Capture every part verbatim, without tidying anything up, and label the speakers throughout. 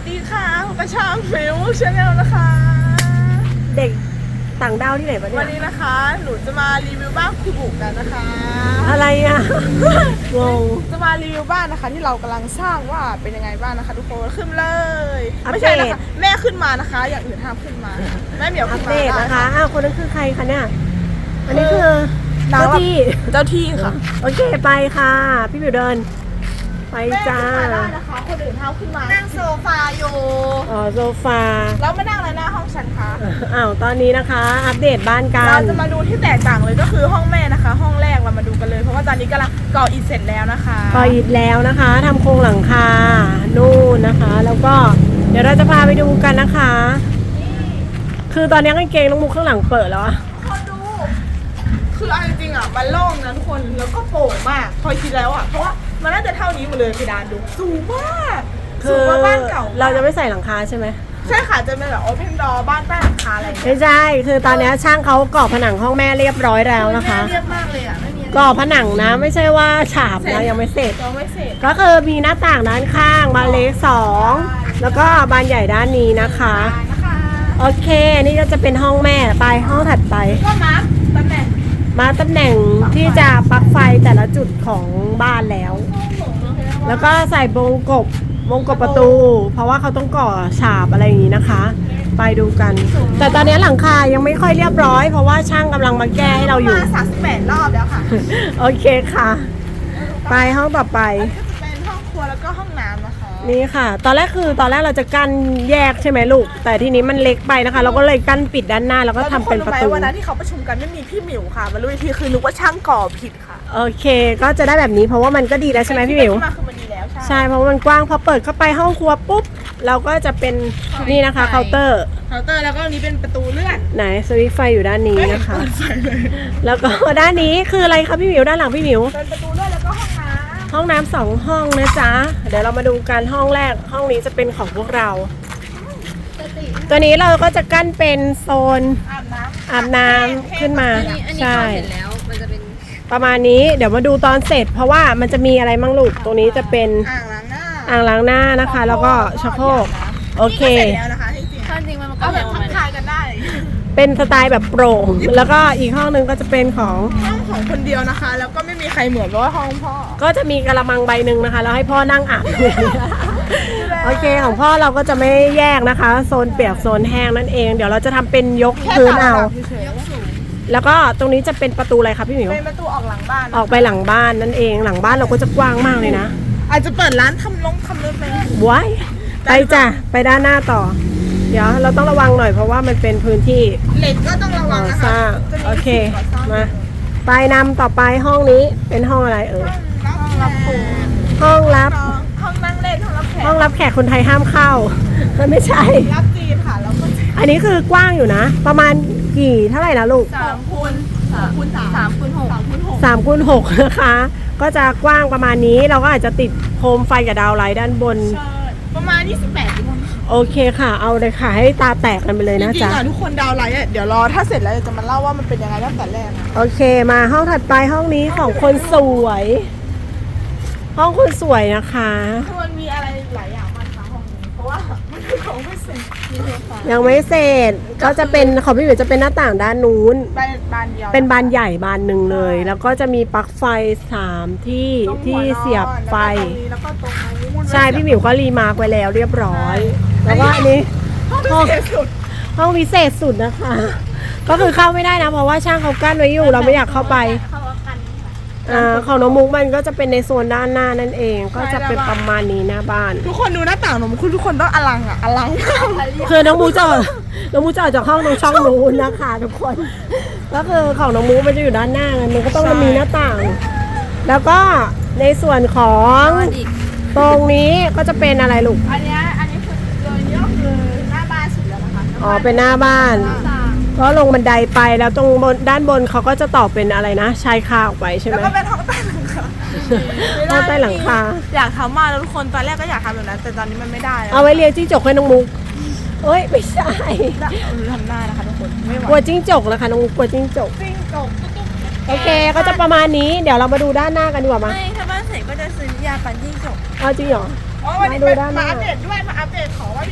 Speaker 1: ดีค่ะผมกระชามฟิวชาแนลนะคะ
Speaker 2: เด็กต่างดาวที่ไหนวะเนี่
Speaker 1: วั
Speaker 2: ย
Speaker 1: นนี้นะคะหนูจะมารีวิวบ้านคูบุกันนะคะ
Speaker 2: อะไรอ่ะ งง
Speaker 1: จะมารีวิวบ้านนะคะที่เรากำลังสร้างว่าเป็นยังไงบ้างนะคะทุกคนขึ้นเลย
Speaker 2: อัปเดต
Speaker 1: ไม่ใช่นะคะแม่ขึ้นมานะคะ อย่างอื่นห้ามขึ้นมาแม่เหมียว
Speaker 2: อั
Speaker 1: ขึ้
Speaker 2: ป
Speaker 1: นมา
Speaker 2: เดตนะคะอ้าวคนนั้นคือใครคะเนี่ยอันนี้คือ
Speaker 1: เจ้า
Speaker 2: เจ้าที่
Speaker 1: เจ้าที่ค่ะ
Speaker 2: โอเคไปค่ะ พี่บิวเดิน ไป
Speaker 1: แม่
Speaker 2: จ้า
Speaker 1: ขึ้นมาได้นะคะคนอื่นห้ามขึ้นมานั่งโซฟาอยู่
Speaker 2: อ๋อโซฟา
Speaker 1: แล้วมานั่งอะไรหน้าห้องฉันคะ
Speaker 2: อ้าวตอนนี้นะคะ อัปเดตบ้านกั
Speaker 1: เรา
Speaker 2: น
Speaker 1: จะมาดูที่แตกต่างเลยก็คือห้องแม่นะคะ ห้องแรกเรามาดูกันเลยเพราะว่าตอนนี้กำลังก่ออิฐเสร็จแล้วนะคะ
Speaker 2: ก็อิดแล้วนะคะทำโครงหลังคานู่นนะคะ แล้วก็เดี๋ยวเราจะพาไปดูกันนะคะ คือตอนนี้กางเกงน้องมุกข้างหลังเปิดแล้วอะ
Speaker 1: คนดู คือเอาจริงๆอ่ะมันโล่งนะทุกคนแล้วก็โปร่งมากพอคิดแล้วอ่ะเพราะว่ามันน่าจะเท่านี้หมดเลยเพดานดูสูงมากสู
Speaker 2: คื
Speaker 1: ง
Speaker 2: อก
Speaker 1: ว่าบ้านเก่า
Speaker 2: เราจะไม่ใส่หลังคาใช่ไหม
Speaker 1: ใช่ค่ะจะเป็นแบบโอเพนดอร์บ้านใต้หลังคาอะไรอย่างเงี้ย
Speaker 2: ไม่ใช่ คือตอนนี้ช่างเขาก่อผนังห้องแม่เรียบร้อยแล้วนะคะ
Speaker 1: เรียบมากเลยอ่ะไม่มี
Speaker 2: ก่อผนังนะไม่ใช่ว่าฉาบนะยังไม่เสร็จ
Speaker 1: ยังไม่เสร็จ
Speaker 2: ก็คือมีหน้าต่างด้านข้างบานเล็กสองแล้วก็บานใหญ่ด้านนี้นะคะ
Speaker 1: นะคะ
Speaker 2: โอเคนี่ก็จะเป็นห้องแม่ไปห้องถัดไป
Speaker 1: ก็มาร์คตำแหน่ง
Speaker 2: มาตำแหน่งที่จะปลั๊กไฟแต่ละจุดของบ้านแล้ว แล้วก็ใส่วงกบวงกบประตู เพราะว่าเขาต้องก่อฉาบอะไรอย่างนี้นะคะ ไปดูกัน แต่ตอนนี้หลังคายังไม่ค่อยเรียบร้อย เพราะว่าช่างกำลังมาแก้ให้เราอยู่
Speaker 1: มาสามสิบแปดรอบแล้วค่ะ
Speaker 2: โอเคค่ะ ไปห้องต่อไป
Speaker 1: อันนี้ก็จะเป็นห้องครัวแล้วก็ห้องน้ำนะคะ
Speaker 2: นี่ค่ะ ตอนแรกคือตอนแรกเราจะกั้นแยกใช่ไหมลูก แต่ทีนี้มันเล็กไปนะคะ เราก็เลยกั้นปิดด้านหน้าแล้วก็ทำเป็นประตู
Speaker 1: วันนั้นที่เขาประชุมกันไม่มีพี่หมิวค่ะมารู้อีกทีคือนึกว่าช่างก่อผิดค่ะ
Speaker 2: โอเค ก็จะได้แบบนี้เพราะว่ามันก็ดีแล้วใช่ไหมพี่หมิว
Speaker 1: ที่มาคือมันดีแล้วใช่
Speaker 2: ใช่ เพราะว่ามันกว้างพอเปิดเข้าไปห้องครัวปุ๊บ เราก็จะเป็นนี่นะคะเคาน์เตอร์
Speaker 1: เคาน์เตอร์แล้วก็อันนี้เป็นประตูเลื่อน
Speaker 2: ไหนสวิตช์ไฟอยู่ด้านนี้นะคะ
Speaker 1: เปิดไฟเลย
Speaker 2: แล้วก็ด้านนี้คืออะไรคะพี่หมิวด้านหลังพี่หมิว
Speaker 1: เป็นประตูเลื่อนแล้วก็ห้องน้
Speaker 2: ห้องน้ำสองห้องนะจ๊ะ เดี๋ยวเรามาดูกันห้องแรกห้องนี้จะเป็นของพวกเรา
Speaker 1: ำ
Speaker 2: ตัวนี้เราก็จะกั้นเป็นโซน
Speaker 1: อาบน้ำ
Speaker 2: อาบน้ำขึ้นมา
Speaker 3: อันนี้อันนี้
Speaker 2: ใช่
Speaker 3: เขาเห็นแล้วมันจะเป็น
Speaker 2: ประมาณนี้เดี๋ยวมาดูตอนเสร็จ เพราะว่ามันจะมีอะไรมั่งลูกตรงนี้จะเป็น
Speaker 1: อ่างล้างหน้า
Speaker 2: อ่างล้างหน้านะคะ แล้วก็ชักโครกโอเค
Speaker 1: นี่ก็เสร็จแล้วนะคะจริง
Speaker 3: ถ้าจริงมันมัน
Speaker 1: ๆ
Speaker 3: ก็
Speaker 1: เอาแบ
Speaker 3: เร็
Speaker 1: บ
Speaker 3: ว
Speaker 1: ทั
Speaker 3: มั
Speaker 1: ก
Speaker 3: น
Speaker 1: ทายกันได้
Speaker 2: เป็นสไตล์แบบโปร่ง แล้วก็อีกห้องนึงก็จะเป็นของ
Speaker 1: ห้องของคนเดียวนะคะ แล้วก็ไม่มีใครเหมือนเพราะว่าห้องพ่อ
Speaker 2: ก็จะมีกระมังใบหนึ่งนะคะแล้วให้พ่อนั่งอาบ โอเคของพ่อเราก็จะไม่แยกนะคะ โซนเปียกโซนแห้งนั่นเอง เดี๋ยวเราจะทำเป็นยก
Speaker 1: แค่
Speaker 2: พื้น
Speaker 1: ต่าง
Speaker 2: เอา
Speaker 1: ระดับเฉย
Speaker 2: แล้วก็ตรงนี้จะเป็นประตูอะไรคะพี่หมิ
Speaker 1: ๆ
Speaker 2: ว
Speaker 1: เป็นประตูออกหลังบ้าน
Speaker 2: ออกไปหลังบ้านนั่นเองหลังบ้านเราก็จะกว้างมากเลยนะ
Speaker 1: อาจจะเปิดร้านทำลงทำรถไป
Speaker 2: ว้ายไปจ้ะไปด้านหน้าต่อ เดี๋ยวเราต้องระวังหน่อยเพราะว่ามันเป็นพื้นที่
Speaker 1: เหล็กก็ต้องระวั
Speaker 2: ก่
Speaker 1: ง
Speaker 2: อ
Speaker 1: นะ
Speaker 2: ส
Speaker 1: คะ
Speaker 2: ร้าง
Speaker 1: จะ
Speaker 2: โอเค
Speaker 1: สิ่งก่อสร้าง
Speaker 2: มาไปนำต่อไปห้องนี้เป็นห้องอะไรเอ่ย
Speaker 1: ห้องรับผู้
Speaker 2: ห้องรับ
Speaker 1: ห้องนั่งเล่นห้องรับแขก
Speaker 2: ห้องรับแขกคนไทยห้ามเข้า ไม่ใช่
Speaker 1: รับจีนค่ะแล้วก็
Speaker 2: อันนี้คือกว้างอยู่นะ ประมาณกี่เท่าไหร่นะลูก
Speaker 1: สามคูณสามคูณสาม
Speaker 3: สามคูณหก
Speaker 1: สามคูณหก
Speaker 2: สามคูณหกนะคะ ก็จะกว้างประมาณนี้เราก็อาจจะติดโคมไฟกับดาวไลท์ด้านบน
Speaker 1: ใช่ประมาณยี่สิบแปดทุกคน
Speaker 2: โอเคค่ะ เอาเลยค่ะ ให้ตาแตกกันไปเลย
Speaker 1: จ
Speaker 2: นะ
Speaker 1: ริง
Speaker 2: จ๊ะ
Speaker 1: ๆอ่ะทุกคนดาวน์ไลน์อ่ะเดี๋ยวรอถ้าเสร็จแล้วเดี๋ยวจะมาเล่าว่ามันเป็นยังไงตั้งแต่แรกนะ
Speaker 2: โอเคมาห้องถัดไปห้องนี้ของคนสวย ห้องคนสวยนะคะ
Speaker 1: คือมันมีอะไรหลายอย่างมากค่ะห้องนี้เพราะว่ามันคือของไม่เสร็จมีโซฟา
Speaker 2: ยังไม่เสร็จก็จะเป็นของพี่หมิวจะเป็นหน้าต่างด้านนู้น
Speaker 1: บานบานเดียว
Speaker 2: เป็นบานใหญ่บานหนึ่งเลย แล้วก็จะมีปลั๊กไฟสามที่
Speaker 1: ตรงหั
Speaker 2: ที่
Speaker 1: วนอน
Speaker 2: เสียบไฟ
Speaker 1: แล้วก็ตรงนี้แล้วก็ตรงนู้น
Speaker 2: ใช่พี่หมิวก็รีมาร์กไว้แล้วเรียบร้อย แล้วก็อันนี้
Speaker 1: ห้องพิเศษสุด
Speaker 2: ห้องพิเศษสุดนะคะ ก็คือเข้าไม่ได้นะ เพราะว่าช่างเขากั้นไว้อยู่เราไม่อยากเข้าไป
Speaker 1: เข้ากัน
Speaker 2: อ่าของน้องมุกมันก็จะเป็นในโซนด้านหน้านั่นเอง ก็จะเป็นประมาณนี้หน้าบ้าน
Speaker 1: ทุกคนดูหน้าต่างหนูคุณทุกคนต้องอลังอ่ะอลัง
Speaker 2: คือน้องมูจะออกน้องมูจะออกจากห้องตรงช่องนู้นนะคะทุกคน ก็คือของน้องมูมันจะอยู่ด้านหน้าไงมันก็ต้องมีหน้าต่าง แล้วก็ในส่วนของ
Speaker 3: อีก
Speaker 2: ตรงนี้ก็จะเป็นอะไรลูก
Speaker 1: อันเนี้ยอันนี้คือโดยย่อคือหน้าบ้านสุดแล้วนะคะ
Speaker 2: อ๋อเป็นหน้าบ้าน ก็ลงบันไดไปแล้วตรงบนด้านบนเขาก็จะต่อเป็นอะไรนะชายคาออกไปใช่ไห
Speaker 1: แล้ว
Speaker 2: ม
Speaker 1: ก็เป็นห้องใต้หลังคา
Speaker 2: ห้องใต้หลังคา
Speaker 1: อยากทำมากแล้วทุกคนตอนแรกก็อยากทำแบบนั้นแต่ตอนนี้มันไม่ได้แล้ว
Speaker 2: เอาไว้เลี้ยงจิ้งจกให้น้องมุกเอ้ยไม่ใช่
Speaker 1: ทำหน้านะคะทุกคนไม่ไหว
Speaker 2: กลัวจิ้งจกนะคะน้องมุกกลัวจิ้งจก
Speaker 1: จิ้งจก
Speaker 2: โอเคก็จะประมาณนี้เดี๋ยวเรามาดูด้านหน้ากันดีกว่ามา
Speaker 3: ไม่ถ้าบ้านเสร็จก็จะซื้อยาปั่นจิ้งจก
Speaker 2: เอาจริงเหรอ
Speaker 1: อ๋อวันนี้
Speaker 2: มาดู
Speaker 1: มา
Speaker 2: ด้านหน้า
Speaker 1: มาอัปเดตด้วยมาอัปเดตของว่า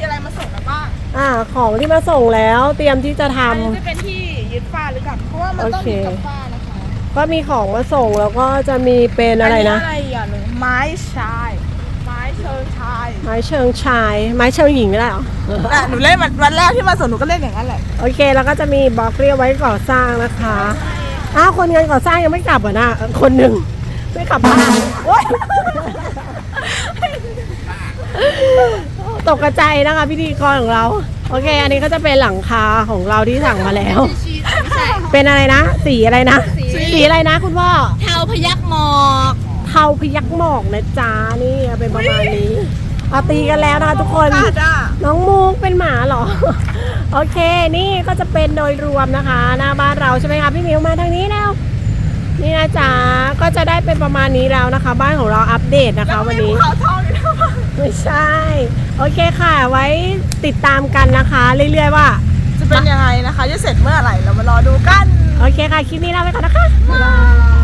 Speaker 2: อ่าของที่มาส่งแล้วเตรียมที่จะท
Speaker 1: อันนี้จะเป็นที่ยึดฝ้าหรือกันเพราะว่ามันต้อง
Speaker 2: โอเค
Speaker 1: ยึดกับฝ้านะคะ
Speaker 2: ำก็มีของมาส่งแล้วก็จะมีเป็นอะไรนะ
Speaker 1: อะไรอย่างหนึ่งไม้ชายไม้เชิงชาย
Speaker 2: ไม้เชิงชาย ไม้เชิงหญิงไม่ได้เหรอ
Speaker 1: อ่ะหนูเล่นวันวันแรกที่มาส่งหนูก็เล่นอย่างนั้นแหละ
Speaker 2: โอเคแล้วก็จะมีบล็อกเรียกไว้ก่อสร้างนะคะอ้าวคนงานก่อสร้างยังไม่กลับเหรอนะคนหนึ่งไม่กลับบ้าน
Speaker 1: โอ๊ย
Speaker 2: ตกกระใจายนะคะพิธีกรของเรา โอเค อันนี้ก็จะเป็นหลังคาของเราที่สั่งมาแล้ว
Speaker 3: ไม่ใช่
Speaker 2: เป็นอะไรนะ สีอะไรนะ สีอะไรนะคุณพ่อ
Speaker 3: เทาพยักหมอก
Speaker 2: เทาพยักหมอกนะจ๊ะนี่เป็นประมาณนี้เอาตีกันแล้วนะคะทุกคน
Speaker 1: กาดอ่ะ
Speaker 2: น้องมูกเป็นหมาเหรอ โอเค นี่ก็จะเป็นโดยรวมนะคะ หน้าบ้านเราใช่ไหมคะพี่มิวมาทางนี้แล้ว นี่นะจ๊ะก็จะได้เป็นประมาณนี้แล้วนะคะ บ้านของเราอัปเดตนะคะ วันนี้
Speaker 1: แล้วก็มีภูเขาทองอยู่ด้วย
Speaker 2: ไม่ใช่ โอเคค่ะ ไว้ติดตามกันนะคะ เรื่อยๆว่า
Speaker 1: จะเป็นยังไงนะคะ จะเสร็จเมื่อไหร่เรามารอดูกัน
Speaker 2: โอเคค่ะ คลิปนี้ลาไปก่อนนะคะ บ๊ายบาย